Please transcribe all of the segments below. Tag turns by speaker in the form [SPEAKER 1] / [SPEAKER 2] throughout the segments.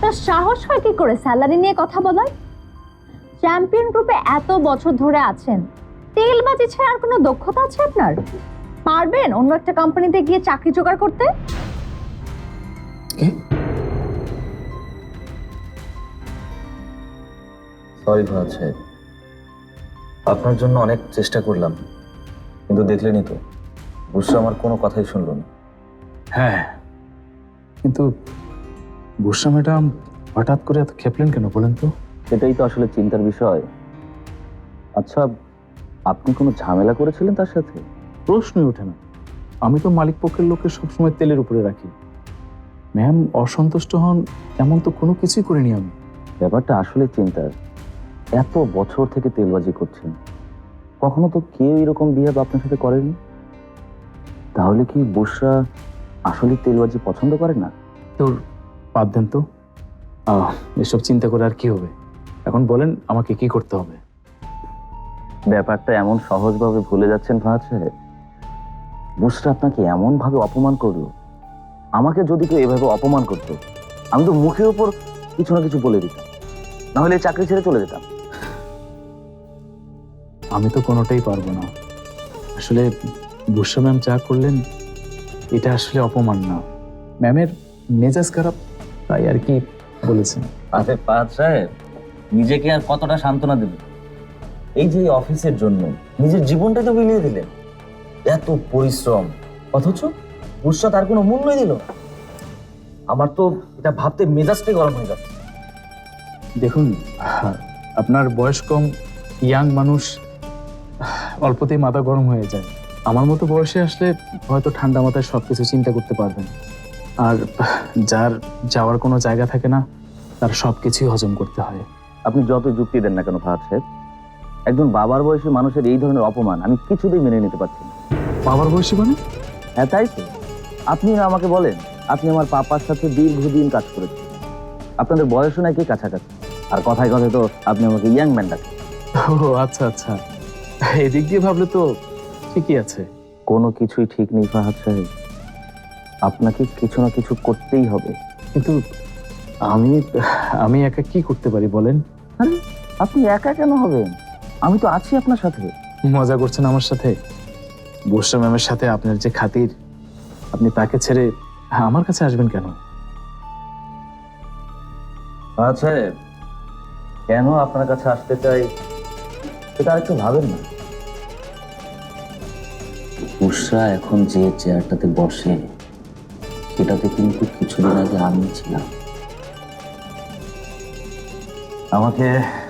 [SPEAKER 1] আপনার সাহস হয় কি করে স্যালারি নিয়ে কথা বলার? চ্যাম্পিয়ন গ্রুপে এত বছর ধরে আছেন, তেলবাজি ছাড়া আর কোনো দক্ষতা আছে আপনার? পারবেন অন্য একটা কোম্পানিতে গিয়ে চাকরি জোগাড় করতে?
[SPEAKER 2] সরি ফাহাদ সাহেব, আপনার জন্য অনেক চেষ্টা করলাম, কিন্তু দেখলেনই তো বুসরা আমার কোনো কথাই শুনল না।
[SPEAKER 3] হ্যাঁ, কিন্তু বুসরা ম্যাডাম হঠাৎ করে এত খেপলেন কেন বলেন তো?
[SPEAKER 2] সেটাই তো আসলে চিন্তার বিষয়। আচ্ছা, আপনি কোনো ঝামেলা করেছিলেন তার সাথে?
[SPEAKER 3] প্রশ্নই ওঠে না। আমি তো মালিক পক্ষের লোককে সবসময় তেলের উপরে রাখি। ম্যাম অসন্তুষ্ট হন এমন তো কোনো কিছুই করিনি আমি।
[SPEAKER 2] ব্যাপারটা আসলে চিন্তার। এত বছর থেকে তেলবাজি করছেন, কখনো তো কেউ এরকম বিহেভ আপনার সাথে করেনি। তাহলে কি বুসরা আসলে তেলবাজি পছন্দ করে না?
[SPEAKER 3] তোর বাদ দেন তো, এসব চিন্তা করে আর কি হবে। এখন বলেন আমাকে কি করতে হবে?
[SPEAKER 2] ব্যাপারটা এমন সহজভাবে ভুলে যাচ্ছেন ফাহাদ সাহেব। বুসরা আপনাকে এমন ভাবে অপমান করলো, আমাকে যদি কেউ এভাবে অপমান করতো, আমি তো মুখের উপর কিছু না কিছু বলে দিতাম, না হলে চাকরি ছেড়ে চলে যেতাম।
[SPEAKER 3] আমি তো কোনোটাই পারবো না। আসলে বুসরা ম্যাম যা করলেন এটা আসলে অপমান না, ম্যামের মেজাজ খারাপ, তাই আর কি বলেছেন।
[SPEAKER 2] আরে ফাহাদ সাহেব, নিজেকে আর কতটা সান্ত্বনা দেবেন? এই যে অফিসের জন্য নিজের জীবনটাই তো বিলিয়ে দিলেন। এত পরিশ্রম, অথচ বুসরা তার কোনো মূল্যই দিল না। আমার তো এটা ভাবতে মেজাজটাই গরম হয়ে যাচ্ছে।
[SPEAKER 3] দেখুন, আপনার বয়স কম, ইয়াং মানুষ, অল্পতেই মাথা গরম হয়ে যায়। আমার মতো বয়সে আসলে হয়তো ঠান্ডা মাথায় সবকিছু চিন্তা করতে পারবেন, আর যার যাওয়ার কোনো জায়গা থাকে না তার সবকিছুই হজম করতে হয়।
[SPEAKER 2] আপনি যত যুক্তি দেন না কেন ফাহাদ সাহেব, একজন বাবার বয়সী মানুষের এই ধরনের অপমান আমি কিছুতেই মেনে নিতে পারছি না।
[SPEAKER 3] বাবার বয়সী মানে?
[SPEAKER 2] হ্যাঁ, তাই তো। আপনি আমাকে বলেন, আপনি আমার পাপার সাথে দীর্ঘদিন কাজ করেছেন, আপনাদের বয়সও নাকি কাছাকাছি, আর কথায় কথায় তো আপনি আমাকে ইয়াং ম্যান ডাকেন।
[SPEAKER 3] ও আচ্ছা আচ্ছা, এদিক দিয়ে ভাবলে তো ঠিকই আছে।
[SPEAKER 2] কোনো কিছুই ঠিক নেই ফাহাদ সাহেব, আপনাকে কিছু না কিছু করতেই হবে।
[SPEAKER 3] কিন্তু আমি আমি একা কি করতে পারি বলেন?
[SPEAKER 2] আরে, আপনি একা কেন হবেন? আমি তো আছি আপনার সাথে।
[SPEAKER 3] মজা করছেন আমার সাথে? বুসরা ম্যামের সাথে আপনার যে খাতির, আপনি তাকে ছেড়ে আমার কাছে আসবেন কেন?
[SPEAKER 2] ফাহাদ সাহেব, কেন আপনার কাছে আসতে চাই সেটা আর একটু ভাবেন না। বুসরা এখন যে চেয়ারটাতে বসে সেটাতে কিন্তু কিছুদিন আগে আমি ছিলাম। আমাকে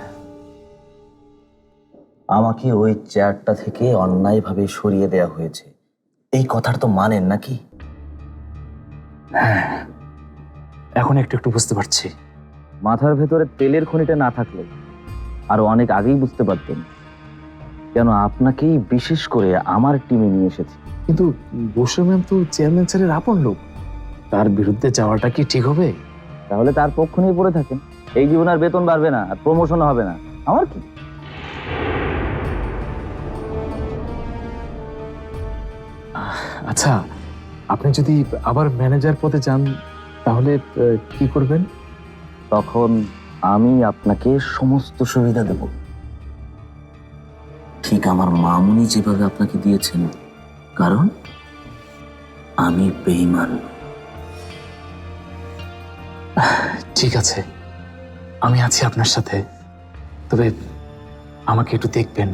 [SPEAKER 2] আমাকে ওই চেয়ারটা থেকে অন্যায়ভাবে সরিয়ে দেয়া হয়েছে, এই কথাটা তো মানেন নাকি?
[SPEAKER 3] হ্যাঁ, এখন একটু একটু বুঝতে পারছি।
[SPEAKER 2] মাথার ভেতরে তেলের খনিটা না থাকলে আরো অনেক আগেই বুঝতে পারতেন কেন আপনাকেই বিশেষ করে আমার টিমে নিয়ে এসেছি।
[SPEAKER 3] কিন্তু বুসরা ম্যাম তো চেয়ারম্যান স্যারের আপন লোক, তার বিরুদ্ধে যাওয়াটা কি ঠিক হবে?
[SPEAKER 2] তাহলে তার পক্ষ নিয়ে পড়ে থাকেন। এই জীবনে আর বেতন বাড়বে না, আর প্রমোশন হবে না, আমার কি?
[SPEAKER 3] আচ্ছা, আপনি যদি আবার ম্যানেজার পদে যান তাহলে কি করবেন?
[SPEAKER 2] তখন আমি আপনাকে সমস্ত সুবিধা দেব, ঠিক আমার মামুনি যেভাবে আপনাকে দিয়েছেন, কারণ আমি বেঈমান।
[SPEAKER 3] ঠিক আছে, আমি আছি আপনার সাথে, তবে আমাকে একটু দেখবেন।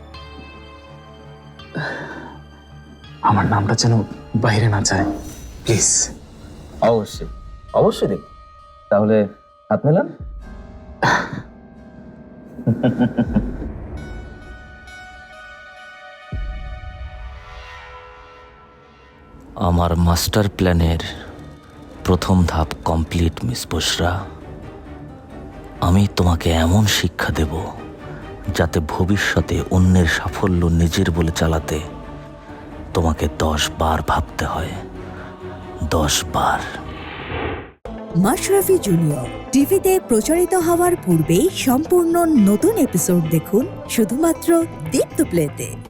[SPEAKER 3] আমার নামটা যেন বাইরে না যায়, প্লিজ।
[SPEAKER 2] অবশ্যই অবশ্যই দেখব। তাহলে হাত মেলান।
[SPEAKER 4] আমার মাস্টার প্ল্যানের প্রথম ধাপ কমপ্লিট মিস বুসরা। আমি তোমাকে এমন শিক্ষা দেব যাতে ভবিষ্যতে অন্যের সাফল্য নিজের বলে চালাতে তোমাকে 10 বার ভাবতে হয়, 10 বার।
[SPEAKER 5] মাশরাফি জুনিয়র টিভিতে প্রচারিত হওয়ার পূর্বেই সম্পূর্ণ নতুন এপিসোড দেখুন শুধুমাত্র দীপ্ত প্লেতে।